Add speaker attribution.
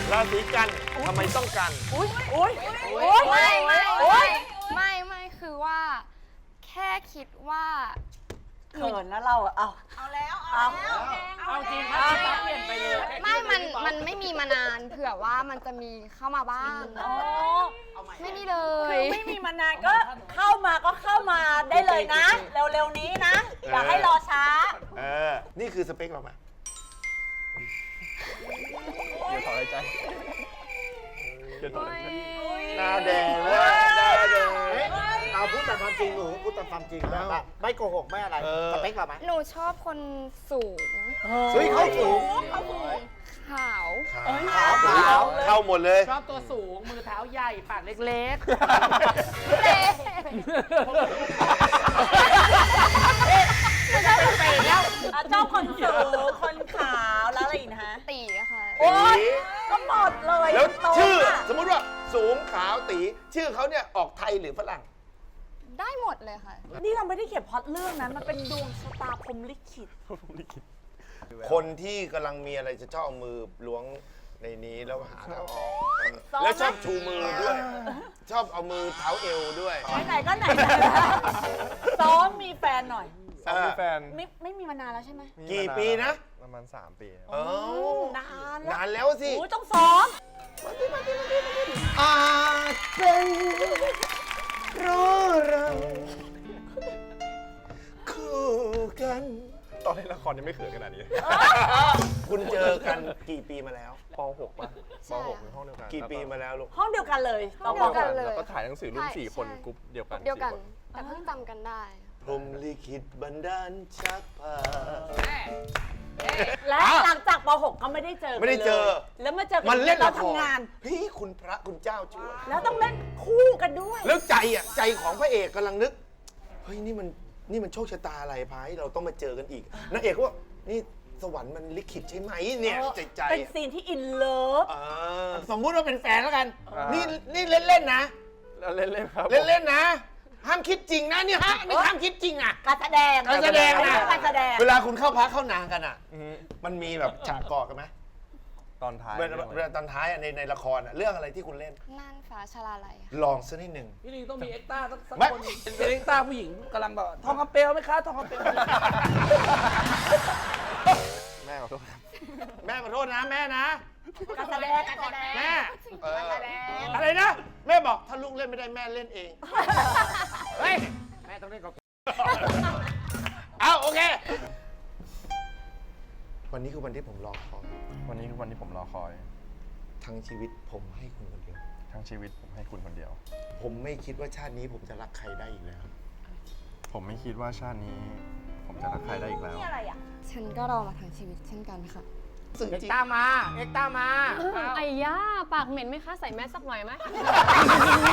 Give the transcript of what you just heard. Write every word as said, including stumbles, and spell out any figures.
Speaker 1: ราศีกันทำไมต้องกัน
Speaker 2: อุ้ยอุ้ยอุ้ย
Speaker 3: ไม่ไม่ไม่ไม่ไม่คือว่า แค่คิดว่า
Speaker 2: เขินนะเราอะเอา
Speaker 4: เอาแล้วเอา
Speaker 2: เอา
Speaker 4: แล้ว
Speaker 5: เอาจริงครับเปลี่ยนไปเลย
Speaker 3: ไม่มันมันไม่มีมานานเผื่อว่ามันจะมีเข้ามาบ้าง
Speaker 2: อ๋อ
Speaker 3: ไม่มีเล
Speaker 2: คื
Speaker 3: ย
Speaker 2: อไม่มีมานานก็เข้ามาก็เข้ามาได้เลยนะ เร็วๆนี้นะ อย่าให้รอช้า
Speaker 1: เออ นี่คือสเปคเราไหม
Speaker 6: เดี๋ยวถอนหายใจ
Speaker 1: หน้าแดงเลยหน้าแดง
Speaker 7: เอาพูดแต่ความจริงหนูพูดแต่ความจริงแบบว่าไม่โกหกไม่อะไร
Speaker 1: เออ
Speaker 7: สเปคเราไหม
Speaker 3: หนูชอบคนสูง
Speaker 1: เฮ้ยเข้าสูง
Speaker 3: ขาว
Speaker 1: ขาวขาวเข้าหมดเลย
Speaker 5: ชอบตัวสูง มือเท้าใหญ่ ปากเล็ก
Speaker 3: เละ
Speaker 5: ๆไปแล้ว
Speaker 2: อ่ะเจ้าคนสูงคนขาวแล้วอะไรอีกนะฮะ
Speaker 3: ตีอะค่ะ
Speaker 2: โอ๊ยก็หมดเลย
Speaker 1: แล้ว
Speaker 2: ตรง
Speaker 1: ชื่อ
Speaker 2: อะ
Speaker 1: สมมุติว่าสูงขาวตี ชื่อเขาเนี่ยออกไทยหรือฝรั่ง
Speaker 3: ได้หมดเลยค่ะ
Speaker 2: นี่เราไม่ได้เขียนพล็อตเรื่องนั้นมันเป็นดวงชะตาพรหมลิขิต
Speaker 1: คนที่กำลังมีอะไรจะชอบเอามือล้วงในนี้แล้วหาทางออก
Speaker 2: ซ้อมไหม
Speaker 1: แล้วชอบชูมือด้วย ชอบเอามือเท้าเอวด้วย
Speaker 2: ไหนๆก็ไหนๆซ้อมมีแฟนหน่อย
Speaker 6: ซ้อมมีแฟน
Speaker 2: ไม่ไม่มีมานานแล้วใช่ไหม
Speaker 6: มี
Speaker 1: กี่
Speaker 6: มาา
Speaker 1: ปีนะ
Speaker 6: ประมาณสามปีครับ
Speaker 1: เอ้าน
Speaker 2: านแล้ว
Speaker 1: นานแล้วสิ
Speaker 2: โอ้ยต้องซ้อม
Speaker 1: อาจเป็นเพราะเราคู่กัน
Speaker 6: ตอนเล่นละครยังไม่เขินขนาดนี้
Speaker 1: คุณเจอกันกี่ปีมาแล้ว
Speaker 6: ป .หก ป่ะ
Speaker 3: ใช่
Speaker 6: ป .หก ในห้องเดียวกัน
Speaker 1: กี่ปีมาแล้วลูก
Speaker 2: ห้องเดียวกันเลย
Speaker 3: ห้องเดียวกันเลย
Speaker 6: แล้วก็ถ่ายหนังสือรุ่น
Speaker 3: ใช่
Speaker 6: สี่คน
Speaker 3: ใช่
Speaker 6: กรุ๊ปเดียวกัน
Speaker 3: เดียวกัน
Speaker 6: สี่ค
Speaker 3: แต่เพิ่งจำกันได้
Speaker 1: พรหมลิขิตบันดาลชักพา
Speaker 2: และหลังจากป .หก ก็ไม่ได้เจอกัน
Speaker 1: ไม่ได้เจอ
Speaker 2: ลยแล้วมาเจอกั
Speaker 1: มันเล่น
Speaker 2: เรา
Speaker 1: ละคร
Speaker 2: ทำงาน
Speaker 1: เฮ้ยคุณพระคุณเจ้าช่วย
Speaker 2: แล้วต้องเล่นคู่กันด้วย
Speaker 1: แล้วใจอ่ะใจของพระเอกกำลังนึก เฮ้ยนี่มันนี่มันโชคชะตาอะไรพายเราต้องมาเจอกันอีกนางเอกก็ว่านี่สวรรค์มันลิขิตใช่ไหมเนี่ยใจใจ
Speaker 2: เป็นซีนที่อินเลิฟ
Speaker 1: อ่าสมมุติว่าเป็นแฟนแล้วกัน นี่นี่เล่นเล่นๆนะ
Speaker 6: แล้วเล่นๆครับ
Speaker 1: เล่นเล่นๆนะ ห้ามคิดจริงนะเนี่ยฮะนี่ห้ามคิดจริงอ่ะ
Speaker 2: การแสดง
Speaker 1: การแสดงนะ
Speaker 2: การแสดง
Speaker 1: เวลาคุณเข้าพักเข้านางกันอ่ะ
Speaker 6: อือฮึ
Speaker 1: มันมีแบบฉากกอดกันไหม
Speaker 6: ตอนท้าย
Speaker 1: เวลาเวลาตอนท้ายอะในในละครอะเรื่องอะไรที่คุณเล่น
Speaker 3: น่านฟ้าชลาลัยค่ะ
Speaker 1: ลองสักนิดหนึ่ง
Speaker 5: พี่ลิงต้องมีเอ็กซ์ต้าสักสัก
Speaker 1: ไม่
Speaker 5: คนเป็นเอ็กซ์ต้าผู้หญิงกำลังแบบทองคำเปลวไหมคะทองคำเปลว
Speaker 6: แม่ขอโทษครับ
Speaker 1: แม่ขอโทษนะแม่นะ
Speaker 2: การแสดงการแสดง
Speaker 1: แม่เอออะไรนะ แม่บอกถ้าลูกเล่นไม่ได้แม่เล่นเอง
Speaker 5: เฮ้ย แม่ต้องเล่นกับ
Speaker 1: เอาโอเค วันนี้คือวันที่ผมรอคอย
Speaker 6: วันนี้คือวันที่ผมรอคอย
Speaker 1: ทั้งชีวิตผมให้คุณคนเดียว
Speaker 6: ทั้งชีวิตผมให้คุณคนเดียว
Speaker 1: ผมไม่คิดว่าชาตินี้ผมจะรักใครได้อีกแล้ว
Speaker 6: ผมไม่คิดว่าชาตินี้ ผมจะรักใครได้อีกแล้ว
Speaker 2: นี่อะไรอ่ะ
Speaker 3: ฉันก็รอมาทั้งชีวิตเช่นกันค่ะ
Speaker 1: สึ่ง
Speaker 5: เอ็ก
Speaker 1: จริง
Speaker 5: ซ์ต้ามา เอ็กซ์ต้ามา
Speaker 8: ไอ้ย่าปากเหม็นไหมคะ ใส่แมสสักหน่อยไหม